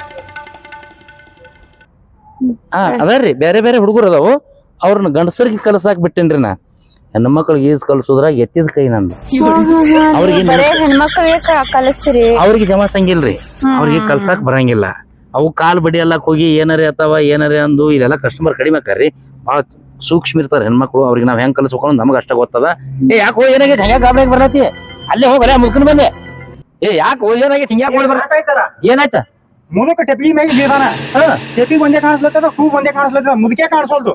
S3: ಹಾ ಅದಾರ್ರಿ ಬೇರೆ ಬೇರೆ ಹುಡುಗರು ಅದಾವು ಅವ್ರನ್ನ ಗಂಡಸರಿಗೆ ಕಲಸಾಕ್ ಬಿಟ್ಟೇನ್ರಿ ನಾ. ಹೆಣ್ಣು ಮಕ್ಳಿಗೆ ಈಜ್ ಕಲ್ಸೋದ್ರಾಗ ಎತ್ತಿದ ಕೈ ನಂದು. ಅವ್ರಿಗೆ
S2: ಹೆಣ್ಮಕ್ಳಿಗೆ ಕಲಿಸ್ತೀರಿ
S3: ಅವ್ರಿಗೆ ಜಮಾಸಂಗಿಲ್ರಿ ಅವ್ರಿಗೆ ಕಲ್ಸಾಕ್ ಬರಂಗಿಲ್ಲ. ಅವು ಕಾಲ್ ಬಡಿ ಎಲ್ಲಕ್ ಹೋಗಿ ಏನಾರೇ ಅಥವಾ ಏನಾರೇ ಅಂದು ಇಲ್ಲೆಲ್ಲ ಕಸ್ಟಮರ್ ಕಡಿಮೆ ಆಕಾರ್ರಿ ಬಾಳ ಸೂಕ್ಷ್ಮ ಇರ್ತಾರ ಹೆಣ್ಮಕ್ಳು ಅವ್ರಿಗೆ ನಾವ್ ಹೆಂಗ್ ಕಲ್ಸ್ಬೇಕು ನಮಗ ಅಷ್ಟ ಗೊತ್ತದ. ಏ ಯಾಕೋ ಏನಾಗೈತಿ ಹೆಂಗ ಗಾಬರಿ ಬರ್ಲತಿ ಅಲ್ಲೇ ಹೋಗಿ ಬರೇ ಮುಲ್ಕನ್ ಬಂದೆ. ಏ ಯಾಕೋ ಏನಾಗೈತಿ ಹಿಂಗ್ಯಾಕ ಓಡಿ ಬರ್ತಾಯ್ತಲ್ಲ ಏನಾಯ್ತ
S4: ಮುದುಕ ಟೆಪಿ ಮೇಲೆ ಬೀದಾನ ಟೆಪಿ ಒಂದೇ ಕಾಣಿಸ್ಲತ್ತದ ಟೂಬ್ ಒಂದೇ ಕಾಣಿಸ್ಲತ್ತದ ಮುದುಕೆ ಕಾಣಿಸೋಲ್ದು.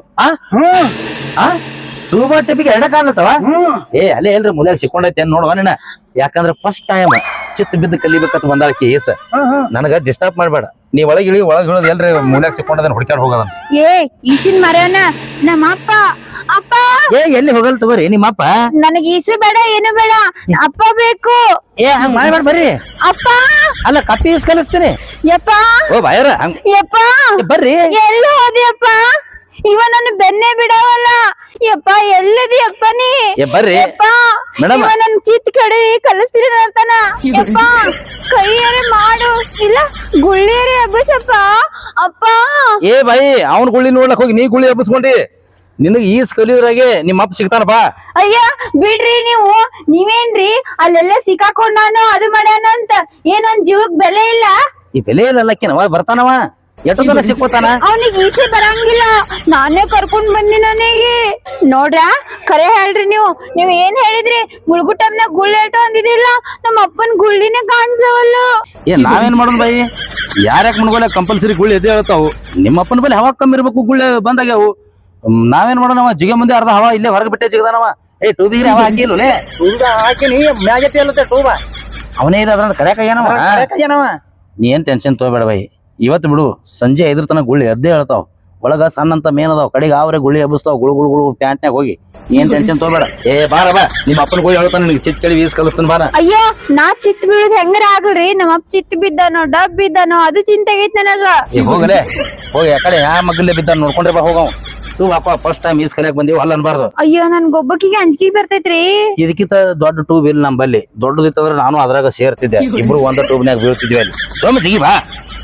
S3: ಟೂಬ ಟೆಪಿಗೆ ಎರಡ ಕಾಣ್ಲತ್ತವ ಏ ಅಲ್ಲೇ ಎಲ್ರಿ ಮುಲ್ಯಾಗ ಸಿಕ್ಕೊಂಡೈತಿ ಏನ್ ನೋಡುವ ನಿನ್ನ ಯಾಕಂದ್ರ ಫಸ್ಟ್ ಟೈಮ್ ಚಿತ್ ಬಿದ್ದು ಕಲಿಬೇಕಂತ ಬಂದಾಳ ಕೇಸ್ ನನಗ ಡಿಸ್ಟರ್ಬ್ ಮಾಡ್ಬೇಡ ನೀ ಒಳಗೆ ಇಳಿ ಒಳಗೆ ಇಳೋದು ಎಲ್ರಿ ಮೂಲ್ಯಾಗ ಸಿಕ್ಕೊಂಡದನ್ ಹುಡ್ಕ್ಯಾರ ಹೋಗದನ್.
S2: ಏ ಈಸಿನ ಮರ್ಯಾನ ನಮ್ಮ ಅಪ್ಪ ಅಪ್ಪ
S3: ಏ ಎಲ್ಲಿ ಹೋಗಲ್ ತಗೋರಿ ನಿಮ್ಮಪ್ಪ
S2: ನನಗೆ ಈಸು ಬೇಡ ಏನು ಬೇಡ ಅಪ್ಪ ಬೇಕು.
S3: ಏ ಹಂಗ ಮಾಡ್ಬೇಡ ಬರ್ರಿ
S2: ಅಪ್ಪ
S3: ಅಲ್ಲ ಕಪ್ಪಿ ಈಸ್ ಕಲಿಸ್ತೀನಿ
S2: ಯಪ್ಪ
S3: ಓ ಬಾಯರ ಹಂಗ
S2: ಯಪ್ಪ
S3: ಬರ್ರಿ
S2: ಎಲ್ಲಿ ಹೋದ್ಯಪ್ಪ ಇವ ನನ್ನ ಬೆನ್ನೆ ಬಿಡವಲ್ಲ ಯಪ್ಪ ಎಲ್ಲದಿ ಅಪ್ಪ ನೀ
S3: ಏ ಬರ್ರಿ ಮೇಡಮ್
S2: ಇವ ನನ್ ಚಿತ್ ಕಡೆ ಕಲಿಸ್ತೀರ ಅಂತಾನ ಯಪ್ಪ ಕೈಯಾರೆ ಮಾಡು ಇಲ್ಲ ಗುಳ್ಳಿಯರೆ ಹಬ್ಬಸಪ್ಪ ಅಪ್ಪ.
S3: ಏ ಬಾಯಿ ಅವ್ನ ಗುಳ್ಳಿ ನೋಡ್ಲಕ್ ಹೋಗಿ ನೀ ಗುಳ್ಳಿ ಹಬ್ಬಸ್ಕೊಂಡಿ ನಿನಗ್ ಈಸ್ ಕಲಿಯೋದ್ರಾಗೆ ನಿಮ್ಮ ಅಪ್ಪ ಸಿಗ್ತಾನ ಬಾ.
S2: ಅಯ್ಯ ಬಿಡ್ರಿ ನೀವು ನೀವೇನ್ರಿ ಅಲ್ಲೆಲ್ಲ ಸಿಕ್ಕಾಕೊಂಡ್ ನಾನು ಅದು ಮಾಡ್ಯಾನ ಅಂತ ಏನೊಂದ್ ಜೀವಕ್ ಬೆಲೆ ಇಲ್ಲ.
S3: ಈ ಬೆಲೆ ಇಲ್ಲಕ್ಕಿನವ ಬರ್ತಾನವ ಎಷ್ಟೋ ತನ ಸಿಕ್ಕೋತಾನ
S2: ಅವನಿಗೆ ಈಸೆ ಬರಂಗಿಲ್ಲ ನಾನೇ ಕರ್ಕೊಂಡ್ ಬಂದಿ ನನಗೆ ನೋಡ್ರ ಕರೆ ಹೇಳ್ರಿ ನೀವು ನೀವ್ ಏನ್ ಹೇಳಿದ್ರಿ ಮುಳುಗುಟಮ್ನಾಗ ಗುಳ್ಳಿ ಹೇಳ್ತಾ ಅಂದಿದಿಲ್ಲ ನಮ್ಮ ಅಪ್ಪನ್ ಗುಳ್ಳಿನೇ ಕಾಣಿಸವಲ್ಲ.
S3: ಏ ನಾವೇನ್ ಮಾಡೋದು ಬಾಯಿ ಯಾರ್ಯಾಕ ಮುನ್ಗೋಲೆ ಕಂಪಲ್ಸರಿ ಗುಳ್ಳಿ ಎದೆ ಹೇಳ್ತಾವು ನಿಮ್ಮ ಅಪ್ಪನ ಬಲ್ಲಿ ಹವಾ ಕಮ್ಮಿ ಇರ್ಬೇಕು ಗುಳ್ಳಿ ಬಂದಾಗ್ಯಾವು ನಾವೇನ್ ಮಾಡೋಣವ ಜಿಗ ಮುಂದೆ ಅರ್ಧ ಹವಾ ಇಲ್ಲೇ ಹೊರಗೆ ಬಿಟ್ಟೆ ಜಿಗದಾನವ. ಏ ಟೂಬಿಗೆ ಹವಾ ಹಾಕಿಲ್ಲೇ
S4: ಟೂಬ ಹಾಕಿನಿ ಮ್ಯಾಗತಿ ಅಲ್ಲತ್ತೆ ಟೂಬ
S3: ಅವನೇ ಇದೆ ಅದ್ರ ಕಡೆಕ ಏನವ
S4: ಏನವ
S3: ನೀ ಏನ್ ಟೆನ್ಷನ್ ತಗೋಬೇಡ ಬಾಯಿ ಇವತ್ತು ಬಿಡು ಸಂಜೆ ಐದ್ರ ತನ ಗುಳ್ಳಿ ಎದ್ದೇ ಹೇಳ್ತಾವ ಒಳಗ ಸಣ್ಣ ಅಂತ ಮೇನ್ ಅದಾವ ಕಡೆಗೆ ಅವ್ರೆ ಗುಳ್ಳಿ ಹಬ್ಬಸ್ತಾವ ಗುಳು ಗುಳು ಗುಳು ಪ್ಯಾಂಟ್ನಾಗ ಹೋಗಿ ಏನ್ ಟೆನ್ಷನ್ ತಗೋಬೇಡ. ಏ ಬಾರ ಬಾ ನಿಮ್ಮ ಅಪ್ಪನ ಗುಳಿ ಹೇಳ್ತಾನ ನಿನ್ಗೆ ಚಿತ್ ಕಡಿ ವೀಸ್ ಕಲಿಸ್ತಾನ ಬಾರ.
S2: ಅಯ್ಯೋ ನಾ ಚಿತ್ ಬೀಳುದ್ ಹೆಂಗಾರ ಆಗಲ್ರಿ ನಮ್ಮ ಅಪ್ಪ ಚಿತ್ ಬಿದ್ದಾನೋ ಡಬ್ ಬಿದ್ದಾನೋ ಅದು ಚಿಂತೆ ಆಗೈತ್ ನನಗ.
S3: ಏ ಹೋಗಲೇ ಹೋಗಿ ಆ ಕಡೆ ಯಾ ಮಗ್ಗಲ್ಲೇ ಬಿದ್ದಾನ ನೋಡ್ಕೊಂಡ್ರೆ ಬಾ ಹೋಗವ್ ಸು ಅಪ್ಪ ಫಸ್ಟ್ ಟೈಮ್ ಈಸ್ ಕಲಿಯಾಕ ಬಂದೀವಿ ಅಲ್ಲ ಅನ್ಬಾರ್ದು.
S2: ಅಯ್ಯೋ ನನ್ ಗೊಬ್ಬಕಿಗೆ ಅಂಜಿಕೆ ಬರ್ತೈತ್ರಿ.
S3: ಇದಕ್ಕಿಂತ ದೊಡ್ಡ ಟೂಬ್ ಇಲ್ಲ ನಮ್ಮಲ್ಲಿ ದೊಡ್ಡದಿತ್ತಂದ್ರೆ ನಾನು ಅದ್ರಾಗ ಸೇರ್ತಿದ್ದೆ ಇಬ್ರು ಒಂದ ಟೂಬ್ನಾಗ ಬೀಳ್ತಿದ್ವಿ ಅಲ್ಲಿ ಸೋಮ ಜಿಗಿ ಬಾ.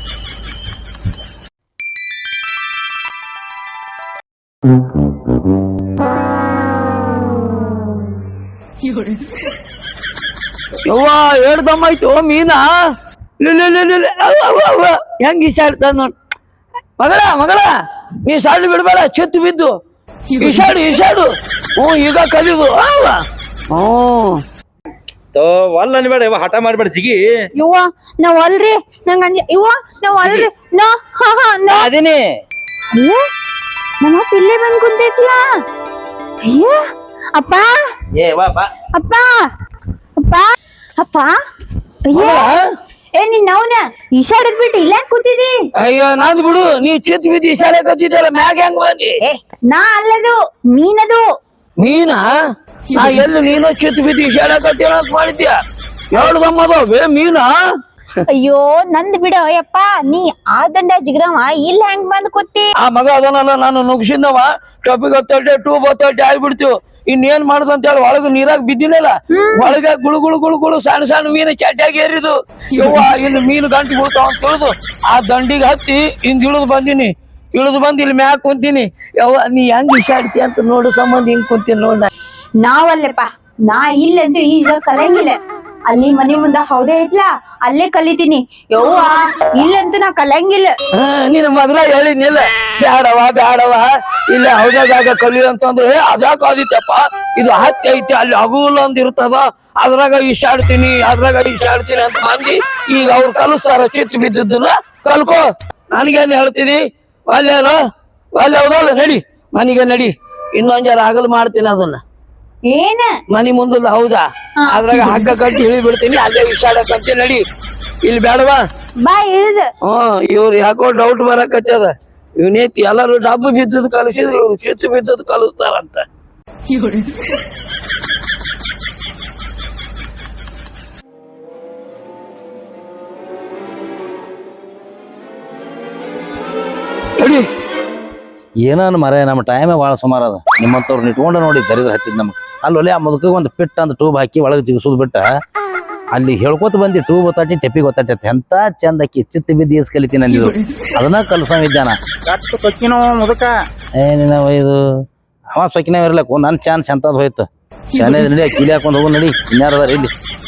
S1: ಯವ್ವ ಹೇಳ್ದಮ್ಮಾಯ್ತು ಮೀನಾ ಹೆಂಗ್ ಇಷ್ಟ ನೋಡ್ ಮಗಳ ಮಗಳ ನೀ ಸಾಲು ಬಿಡ್ಬೇಡ, ಚಿತ್ತು ಬಿದ್ದು ಈಶಾಡು ಈಶಾಡು. ಹ್ಞೂ ಈಗ ಕಲಿದು ಅವ ಹ್ಮ್
S3: ಒಲ್ಲ ಅನ್ಬೇಡ ಇವ ಹಠ ಮಾಡ್ಬೇಡ ಜಿಗಿ.
S2: ಇವ್ವ ನಾವ್ ಅಲ್ರಿ ನಂಗ ಅಂಜ ಇವ್ವ ನಾವ್ ಅಲ್ರಿ ನಾ ಹಾ ಹಾ ನಾ
S3: ಅದೇನಿ
S2: ಅಯ್ಯ ನಮ್ಮ ಅಪ್ಪ ಇಲ್ಲೇ ಬಂದ್ ಕುಂತೈತ್ಲ. ಅಯ್ಯ ಅಪ್ಪ
S3: ಏ ವಾ ಬಾ.
S2: ಅಪ್ಪ ಅಪ್ಪ ಅಪ್ಪ ಅಯ್ಯ ಏ ನೀನ್ ಅವನ ಈಶಾಡದ್ ಬಿಟ್ಟು ಇಲ್ಲೇ ಕೂತಿದಿ.
S1: ಅಯ್ಯೋ ನಂದ್ ಬಿಡು, ನೀ ಚಿತ್ ಬಿದ್ದು ಈಶಾಡೆ ಕತ್ತಿದ್ದಲ್ಲ ಮ್ಯಾಗ ಹೆಂಗ್ ಬಂದಿ?
S2: ಏ ನಾ ಅಲ್ಲದು ನೀನದು.
S1: ನೀನಾ? ನಾ ಎಲ್ಲಿ ನೀನು ಚಿತ್ ಬಿದ್ದು ಈಶಾಡೆ ಕತ್ತಿರ ಅಂತ ಮಾಡಿದ್ಯ? ಎರಡು ಗಮ್ಮದವೇ ಮೀನಾ?
S2: ಅಯ್ಯೋ ನಂದ್ ಬಿಡ ಯಪ್ಪ, ನೀ ಆ ದಂಡ ಜಿಗ್ರವ ಇಲ್ಲ ಹೆಂಗ್ ಬಂದ್ ಕೂತಿ?
S1: ಆ ಮಗ ಅದನಲ್ಲ ನಾನು ನುಗ್ಸಿಂದವ ಟೊಪಿಗೆ ಹತ್ತಟ್ಟೆ ಟೂಬ್ ಹತ್ತಟ್ಟೆ ಆಗ್ಬಿಡ್ತೀವಿ. ಇನ್ನೇನ್ ಮಾಡುದಂತ ಹೇಳಿ ಒಳಗ ನೀರಾಗ ಬಿದ್ದಿನಲ್ಲ, ಒಳಗ ಗುಳು ಗುಳು ಗುಳು ಗುಳು ಸಣ್ಣ ಸಣ್ಣ ಮೀನು ಚಟ್ಟಾಗಿ ಏರಿದು. ಯವ್ವ ಇನ್ನು ಮೀನು ಗಂಟು ಬೀಳ್ತಾವ ಅಂತ ತಿಳಿದು ಆ ದಂಡಿಗೆ ಹತ್ತಿ ಹಿಂದ್ ಇಳಿದು ಬಂದಿನಿ. ಇಳಿದು ಬಂದು ಇಲ್ಲಿ ಮ್ಯಾಕ್ ಕುಂತೀನಿ. ಯವ್ವ ನೀ ಹೆಂಗ್ ಇಸಾಡ್ತಿ ಅಂತ ನೋಡು ಸಂಬಂಧ ಹಿಂಗ್ ಕುಂತೀನಿ ನೋಡ.
S2: ನಾವಲ್ಲಪ್ಪ, ನಾ ಇಲ್ಲಂತೂ ಈಗ ಕಲಿಯಂಗಿಲ್ಲ. ಅಲ್ಲಿ ಮನೆ ಮುಂದ ಹೌದೇ ಐತ್ಲಾ ಅಲ್ಲೇ ಕಲಿತೀನಿ. ಯವ್ವ ಇಲ್ಲಂತೂ ನಾ ಕಲಿಯಂಗಿಲ್ಲ.
S1: ಹಾ ನೀನು ಮೊದ್ಲ ಹೇಳಿನಿಲ್ಲ ಬ್ಯಾಡವ ಬ್ಯಾಡವ ಇಲ್ಲ ಹೌದಾಗ ಕಲಿಯು ಅಂತಂದ್ರೆ ಅದ್ಯಾಕ ಆದಿತ್ತಪ್ಪ, ಇದು ಹತ್ತಿ ಐತಿ ಅಲ್ಲಿ ಹಗುಲ್ ಒಂದ್ ಇರ್ತದ ಅದ್ರಾಗ ಈಶಾಡ್ತೀನಿ ಅದ್ರಾಗ ಈಶಾಡ್ತೀನಿ ಅಂತ ಮಂದಿ ಈಗ ಅವ್ರು ಕಲಿಸ್ತಾರ. ಚಿತ್ತು ಬಿದ್ದದನ್ನ ಕಲ್ಕೋ, ನನಗೇನ್ ಹೇಳ್ತೀನಿ? ಅಲ್ಲೇನ ಅಲ್ಲಿ ಹೌದಲ್ಲ, ನಡಿ ಮನಿಗೆ ನಡಿ. ಇನ್ನೊಂದ್ ಜರ ಹಗಲ್ ಮಾಡ್ತೀನಿ ಅದನ್ನ
S2: ಏನ
S1: ಮನಿ ಮುಂದಲ್ಲ ಹೌದಾ, ಅದ್ರಾಗ ಹಗ್ಗ ಕಟ್ಟಿ ಇಳಿ ಬಿಡ್ತೀನಿ, ಅಲ್ಲೇ ವಿಷಾಡಕಂತ ನಡಿ. ಇಲ್ಲಿ ಬೇಡವಾ?
S2: ಬಾ ಇಳ್ದ.
S1: ಹ್ಮ್ ಇವ್ರು ಯಾಕೋ ಡೌಟ್ ಬರಕತ್ತದ, ಇವನೇತಿ ಎಲ್ಲಾರು ಡಬ್ಬು ಬಿದ್ದದ್ ಕಲಿಸಿದ್ರು ಇವ್ರು ಚಿತ್ತು ಬಿದ್ದದ್ ಕಲಿಸ್ತಾರಂತ. ನಡಿ
S3: ಏನನ್ ಮರ ನಮ್ಮ ಟೈಮೇ ಭಾಳ ಸುಮಾರು ಅದ. ನಿಮ್ಮಂತವ್ರು ಇಟ್ಕೊಂಡು ನೋಡಿ ದರಿದ್ರ ಹತ್ತಿದ್ ನಮ್ಗೆ ಅಲ್ಲಿ ಒಲೆ ಆ ಮುದುಕ ಒಂದು ಪಿಟ್ ಅಂತ ಟೂಬ್ ಹಾಕಿ ಒಳಗೆ ಜಿಗಿಸೋದು ಬಿಟ್ಟ ಅಲ್ಲಿ ಹೇಳ್ಕೊತ ಬಂದಿ ಟೂಬ್ ಒತ್ತಾಟಿ ಟೆಪಿಗೆ ಒತ್ತಾಟಿ ಎಂತ ಚಂದ ಅಕ್ಕಿ ಚಿತ್ತ ಬಿದ್ದು ಈಸ್ ಕಲಿತೀನಿ ಅಂದಿದ್ರು. ಅದನ್ನ ಕಲ್ಸಂಗಿದ್ದಾನ
S4: ಸೊಕ್ಕಿನೋ ಮುದಕ.
S3: ಏನಿನ ಇದು ಅವ ಸೊಕ್ಕಿನ ಇರ್ಲಕ್ಕು ನನ್ನ ಚಾನ್ಸ್ ಎಂತದ್ ಹೋಯ್ತು. ಚೆನ್ನಾಗಿ ನಡಿ ಕಿಲಿ ಹಾಕೊಂಡು ಹೋಗು ನಡಿ, ಇನ್ಯಾರದಾರ ಇಲ್ಲಿ.